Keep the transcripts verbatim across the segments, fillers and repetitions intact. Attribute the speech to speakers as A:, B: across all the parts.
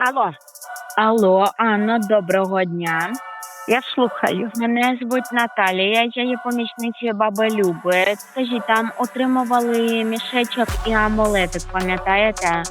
A: Алло,
B: Алло, Анно, доброго дня.
A: я слухаю.
B: Мене звуть Наталія, я є помічницею баби Люби. Скажіть, там отримували мішечок і амулетик, пам'ятаєте?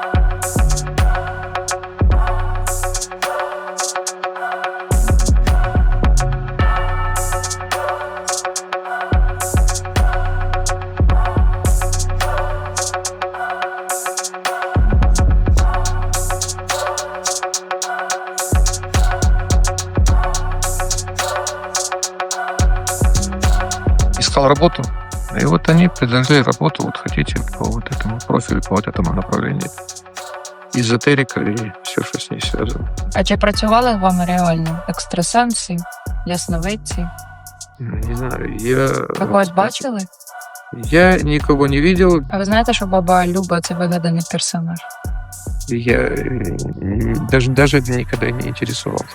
C: Искал работу, и вот они предложили работу, вот хотите, по вот этому профилю, по вот этому направлению. Эзотерика и все, что с ней связано.
D: А чи працювали з вами реально екстрасенси, ясновидці?
C: Не знаю, я...
D: Ви когось бачили?
C: Я никого не видел,
D: А ви знаєте, що баба Люба це вигаданий персонаж?
C: я э, даже, даже никогда не интересовался.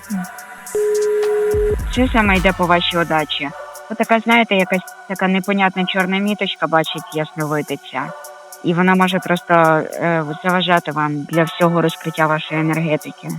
B: Що саме йде по вашій удачі? Ви така, знаєте, якась така непонятна чорна міточка бачить ясновидиця. І вона може просто е, заважати вам для всього розкриття вашої енергетики.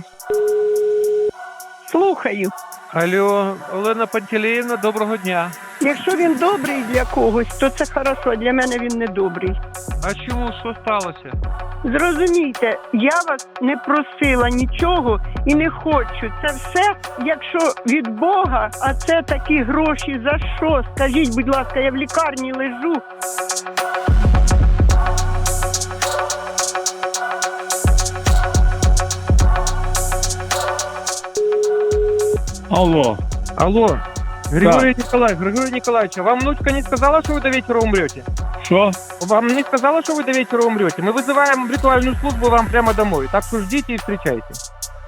A: Слухаю.
E: Алло, Олена Пантелеївна, доброго дня.
A: Якщо він добрий для когось, то це хорошо, для мене він не добрий.
E: А чому, що сталося?
A: Зрозумійте, я вас не просила нічого і не хочу. Це все, якщо від Бога, а це такі гроші за що? Скажіть, будь ласка, я в лікарні лежу.
F: Алло,
E: Алло, Григорий Николаевич, Григорий Николаевич, а вам внучка не сказала, что вы до вечера умрете?
F: що?
E: Вам не сказала, что вы до вечера умрете? Мы вызываем ритуальную службу вам прямо домой, так что ждите и встречайте.